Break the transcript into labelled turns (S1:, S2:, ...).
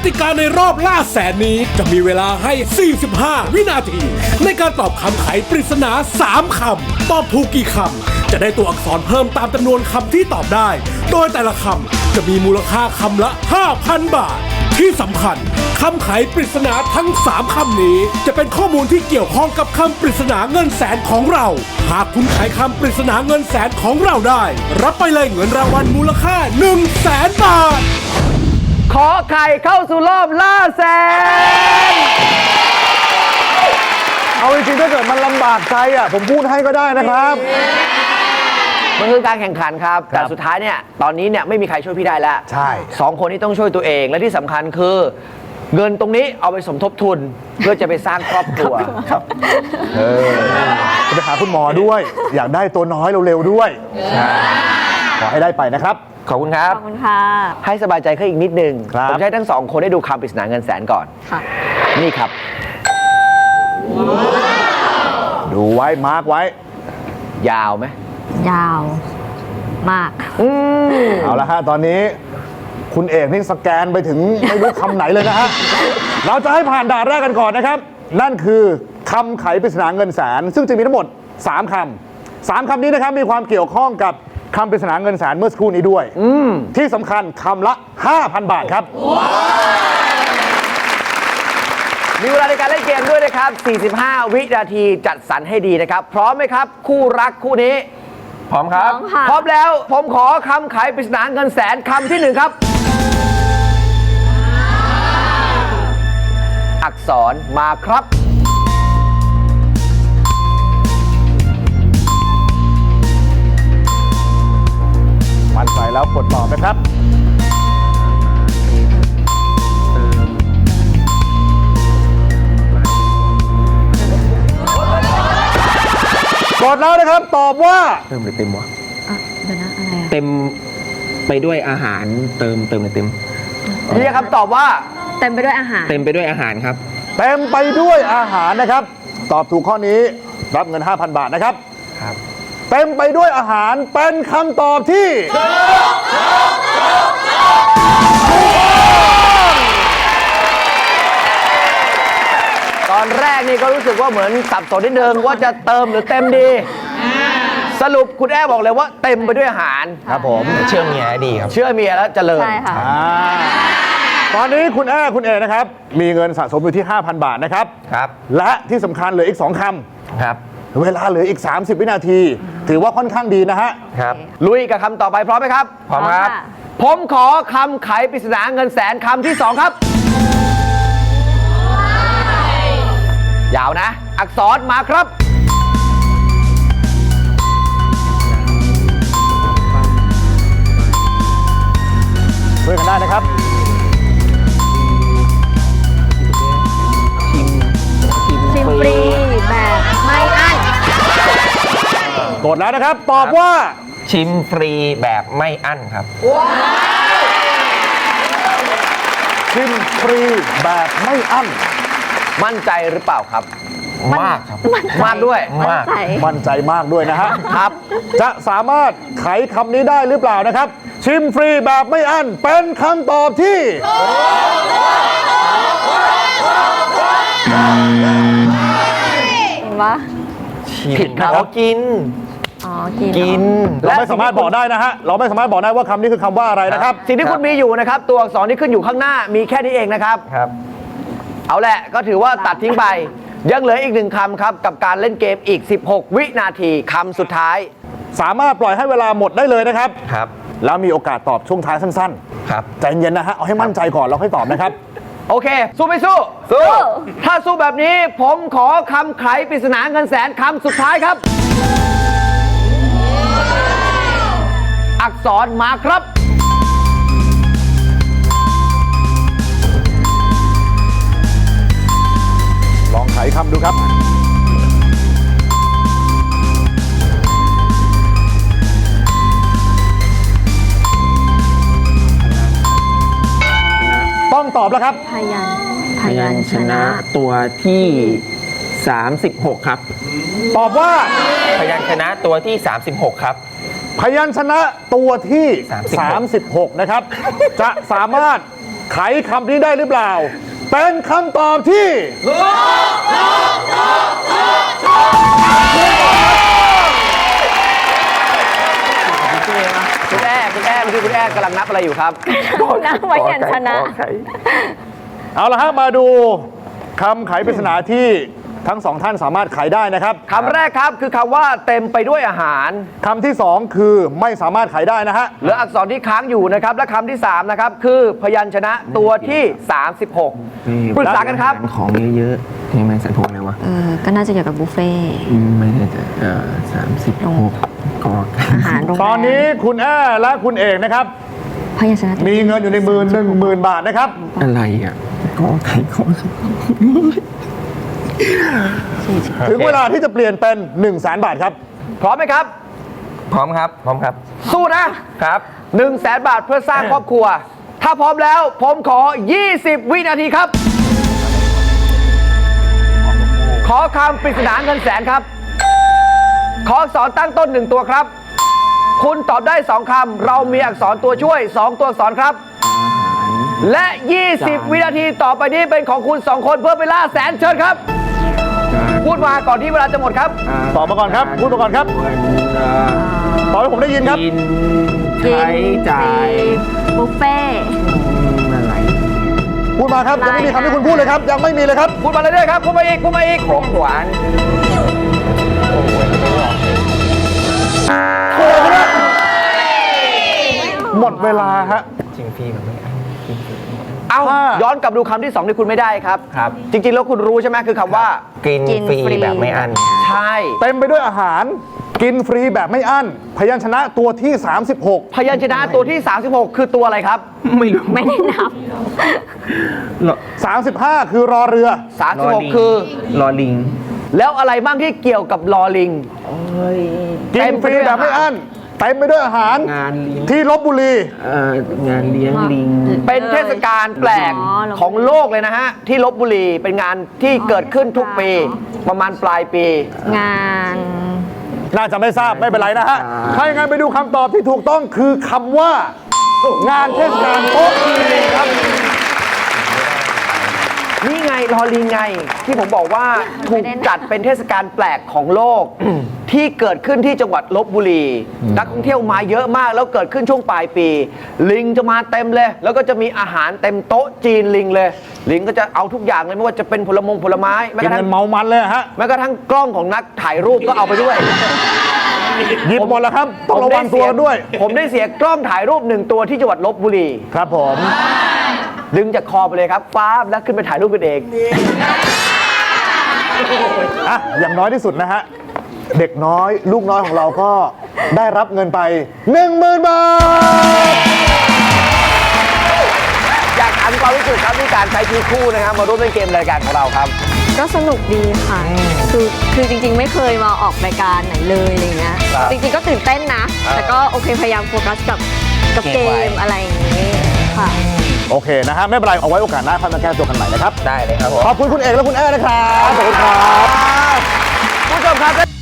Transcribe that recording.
S1: ติกาในรอบล่าแสนนี้จะมีเวลาให้ 45 วินาที ในการตอบคำไขปริศนา 3 คำ ตอบถูกกี่คำ จะได้ตัวอักษรเพิ่มตามจำนวนคำที่ตอบได้ โดยแต่ละคำจะมีมูลค่าคำละ 5,000 บาท ที่สำคัญคำไขปริศนาทั้ง 3 คำนี้ จะเป็นข้อมูลที่เกี่ยวข้องกับคำปริศนาเงินแสนของเรา หากคุณไขคำปริศนาเงินแสนของเราได้ รับไปเลยเงินรางวัลมูลค่า 100,000 บาท
S2: ขอไข่เข้าสู่รอบล่าแสน
S3: เอาจริงๆถ้าเกิดมันลำบากใจอ่ะผมพูดให้ก็ได้นะครับ
S2: มันคือการแข่งขันครับ แต่สุดท้ายเนี่ยตอนนี้เนี่ยไม่มีใครช่วยพี่ได้แล้ว
S3: ใช่
S2: 2 คนนี้ต้องช่วยตัวเองและที่สำคัญคือ เงินตรงนี้เอาไปสมทบทุน เพื่อจะไปสร้างครอบครัว
S3: จะไปหาคุณหมอด้วย อยากได้ตัวน้อยเร็วๆด้วยขอให้ได้ไปนะครับ
S2: ขอบคุณครับ
S4: ขอบคุณค่ะ
S2: ให้สบายใจขึ้นอีกนิดนึง
S3: ครับ
S2: ผมจะให้ทั้ง 2 คนได้ดูคำปริศนาเงินแสนก่อน
S4: ค่ะ
S2: นี่ครับ
S3: ดูไว้มาร์กไว้
S2: ยาวไหม
S4: ยาวมาก
S3: เอาละฮะตอนนี้คุณเอกนี่สแกนไปถึงไม่รู้คำไหนเลยนะฮะ เราจะให้ผ่านด่านแรกกันก่อนนะครับ นั่นคือคำไขปริศนาเงินแสน ซึ่งจะมีทั้งหมด 3 คำ 3 คำนี้นะครับมีความเกี่ยวข้องกับคำปริศนาเงินแสนเมื่อสักครู่นี้ด้วยที่สำคัญคำละ 5,000 บาทครับ
S2: มีเวลาในการเล่นเกมด้วยนะครับ 45 วินาทีจัดสรรให้ดีนะครับ พร้อมไหมครับ คู่รักคู่นี้ พร้อมครับ
S4: พร้อมค่ะ
S2: พร้อมแล้วผมขอคำไขปริศนาเงินแสนคำที่ 1 ครับ อักษรมาครับ
S3: มั่นใจแล้วกดตอบนะครับกดแล้วนะครับตอบว่า
S5: เติมหรือเต็มวะ
S4: เดี๋ยวนะ อะไรอะ
S5: เต็มไปด้วยอาหารเติมหรือเต็ม
S2: เรียกคำตอบว่า
S4: เต็มไปด้วยอาหาร
S5: เต็มไปด้วยอาหารครับ
S3: เต็มไปด้วยอาหารนะครับ ตอบถูกข้อนี้รับเงิน 5,000 บาทนะครับ
S5: ครับ
S3: เต็มไปด้วยอาหารเป็นคำตอบที่
S2: ตอนแรกนี่ก็รู้สึกว่าเหมือนสับสนนิดนึงว่าจะเติมหรือเต็มดี สรุปคุณแอ้บอกเลยว่าเต็มไปด้วยอาหาร
S3: ครับผม
S5: เชื่อมเมียดีครับ
S2: เชื่อเมียแล้วเจริญ
S4: ใช่ค่ะ
S3: ตอนนี้คุณคุณเอนะครับ มีเงินสะสมอยู่ที่ 5,000 บาทนะครับ
S5: ครับ
S3: และที่สำคัญเหลืออีก 2 ค
S5: ครับ
S3: ำเวลาเหลืออีก 30 วินาที ถือว่าค่อนข้างดีนะฮะ
S5: ครับ
S2: ลุยกับคำต่อไปพร้อมไหมครับ
S5: พร้อมครับ
S4: ค่ะ
S2: ผมขอคำไขปริศนาเงินแสนคำที่ 2 ครับ ยาวนะ อักษรมาครับ
S3: ช่วยกันได้นะครับ
S4: ชิมฟรีแบบไม่อั้น
S3: กดแล้วนะครับ ตอบว่า
S5: ชิมฟรีแบบไม่อั้นครับ
S3: ชิมฟรีแบบไม่อั้น
S2: มั่นใจหรือเปล่าครับ
S5: มากครับ
S2: มากด้วย
S5: มาก
S4: ใจ
S3: มั่นใจมากด้วยนะฮะ
S2: ครับ
S3: จะสามารถไขคำนี้ได้หรือเปล่านะครับ ชิมฟรีแบบไม่อั้นเป็นคำตอบที่
S4: เห็นปะ
S2: ผิดครับ
S3: ครับ
S2: กิน
S4: อ๋อ กิน
S2: กิน
S3: เราไม่สามารถบอกได้นะฮะ เราไม่สามารถบอกได้ว่าคำนี้คือคำว่าอะไรนะครับ
S2: สิ่งที่คุณมีอยู่นะครับ ตัวอักษรที่ขึ้นอยู่ข้างหน้ามีแค่นี้เองนะครับ
S5: ครับ
S2: เอาแหละก็ถือว่าตัดทิ้งไป ยังเหลืออีก 1 คำครับ กับการเล่นเกมอีก 16 วินาทีคำสุดท้าย
S3: สามารถปล่อยให้เวลาหมดได้เลยนะครับ
S5: ครับ
S3: แล้วมีโอกาสตอบช่วงท้ายสั้น
S5: ครับ
S3: ๆ ใจเย็นนะฮะ เอาให้มั่นใจก่อนแล้วค่อยตอบนะครับ
S2: โอเค สู้ไม่สู้ ถ้าสู้แบบนี้ผมขอคำไขปริศนาเงินแสนคำสุดท้ายครับ อักษรมาครับ
S3: ลองไขคำดูครับ ต้องตอบแล้วครับ
S4: พยัญชนะ
S5: ตัวที่ 36 ครับ
S3: ตอบว่า
S5: พยัญชนะตัวที่ 36 ครับ
S3: พยัญชนะตัวที่
S5: 36
S3: 36 นะครับ จะสามารถไขคำนี้ได้หรือเปล่า เป็นคำตอบที่
S2: คุณแอ้เมื่อกี้คุณแอ้กำลังนับอะไรอยู่ครับ
S4: นั่งไว้ยันชนะ
S3: เอาละฮะมาดูคำไขปริศนาที่ทั้งสองท่านสามารถไขได้นะครับ
S2: คำแรกครับคือคำว่าเต็มไปด้วยอาหาร
S3: คำที่สองคือไม่สามารถไขได้นะฮะ
S2: เหลืออักษรที่ค้างอยู่นะครับ และคำที่ 3 นะครับ คือพยัญชนะตัวที่ 36 ปรึกษากันครับ
S5: ของเยอะๆนี่มันสันพวกอะไรวะ
S4: ก็น่าจะเกี่ยวกับบุฟเฟ่ต์
S5: ไม่แน่ใจ36ก็
S4: อาหารโรงแรม
S3: ตอนนี้คุณแอ้และคุณเอกนะครับ
S4: พยัญชนะ
S3: มีเงินอยู่ในมือ10,000 บาทนะครับ
S5: อะไรอ่ะก็ไข่ก็
S3: ถึงเวลาที่จะเปลี่ยนเป็น100,000 บาทครับ
S2: พร้อมไหมครับ
S5: พร้อมครับ พร้อมครับ
S2: สู้นะครับ 100,000 บาทเพื่อสร้างครอบครัว ถ้าพร้อมแล้วผมขอ 20 วินาทีครับ ขอคำปริศนาเงินแสนครับ ขออักษรตั้งต้น 1 ตัวครับ คุณตอบได้ 2 คำ เรามีอักษรตัวช่วย 2 ตัวอักษรครับ และ 20 วินาทีต่อไปนี้เป็นของคุณ 2 คนเพื่อไปล่าแสนเชิญครับ พูดมาก่อนที่เวลาจะหมดครับ
S3: ตอบมาก่อนครับ พูดมาก่อนครับ ตอบให้ผมได้ยินครับ
S5: กินใช้จ่าย
S4: บุฟเฟ่ต์
S5: อะไร
S3: พูดมาครับ ยังไม่มีคำที่คุณพูดเลยครับ ยังไม่มีเลยครับ
S2: พูดมาเรื่อยๆครับ พูดมาอีก พูดมาอีก
S5: ของหวาน
S3: หมดเวลาฮะ
S5: จริงพี่มันไม่อัน
S2: เอา
S3: ถ้า
S2: ย้อนกลับดูคำที่ 2 ที่คุณไม่ได้ครับ
S5: ครับ
S2: จริงๆ แล้วคุณรู้ใช่ไหมคือคำว่า
S5: กินฟรีแบบไม่อัน
S2: ใช่
S3: เต็มไปด้วยอาหาร กินฟรีแบบไม่อั้น พยัญชนะตัวที่
S2: พยัญชนะตัวที่ 36 คือตัวอะไรครับ
S5: ไม่รู้
S4: ไม่ได้นับ
S3: 36 35 คือรอเรือ
S2: 36 คือ
S5: รอลิง
S2: แล้วอะไรบ้างที่เกี่ยวกับลอลิง
S3: กินฟรีแบบไม่อั้น เต็มไปด้วยอาหาร
S5: งานเลี้ยง
S3: ที่ลบบุรี
S5: งานเลี้ยงลิง
S2: เป็นเทศกาลแปลก
S4: อ๋อ
S2: ของโลกเลยนะฮะ ที่ลบบุรีเป็นงานที่เกิดขึ้นทุกปี ประมาณปลายปี
S4: งาน
S3: น่าจะไม่ทราบไม่เป็นไรนะฮะ ถ้าอย่างนั้นไปดูคำตอบที่ถูกต้องคือคำว่า งานเทศกาลโต๊ะจีนครับ
S2: นี่ไงลอลิงไง ที่ผมบอกว่าถูกจัดเป็นเทศกาลแปลกของโลก ที่เกิดขึ้นที่จังหวัดลบบุรี นักท่องเที่ยวมาเยอะมากแล้วเกิดขึ้นช่วงปลายปี ลิงจะมาเต็มเลย แล้วก็จะมีอาหารเต็มโต๊ะจีนลิงเลย ลิงก็จะเอาทุกอย่างเลยไม่ว่าจะเป็นผลไม้แม้
S3: กิ
S2: ก
S3: น
S2: ระทั่
S3: เงิ
S2: ง
S3: นเมามันเลยฮะ
S2: แม้กระทั่งกล้องของนักถ่ายรูปก็เอาไปด้วย
S3: หยิบหมดแล้วครับ ต้องระวังตัวด้วย
S2: ผมได้เสียกล้องถ่ายรูป1 ตัวที่จังหวัดลบบุรี
S3: ครับผม
S2: ดึงจากคอไปเลยครับฟ้าบแล้วขึ้นไปถ่ายรูปกันเอง
S3: อ่ะ อย่างน้อยที่สุดนะฮะ เด็กน้อยลูกน้อยของเราก็ได้รับเงินไป 10,000 บาท
S2: อยากถามความรู้สึกครับที่การใช้ชีวิตคู่นะครับมาร่วมเล่นเกมรายการของเราครับ
S4: ก็สนุกดีค่ะ คือจริงๆ ไม่เคยมาออกรายการไหนเลยอะไรเงี้ย
S2: ครับ
S4: จริงๆ ก็ตื่นเต้นนะ แต่ก็โอเคพยายามโฟกัสกับเกมอะไรอย่างงี้ค่ะ
S3: โอเคนะฮะ ไม่เป็นไร เอาไว้โอกาสหน้าค่อยมาแก้ตัวกันใหม่นะครับ
S5: ได้เลยครับผม
S3: ขอบคุณคุณเอกและคุณแอ้นะครับ ขอบคุณครับ
S2: ผู้ชมครับ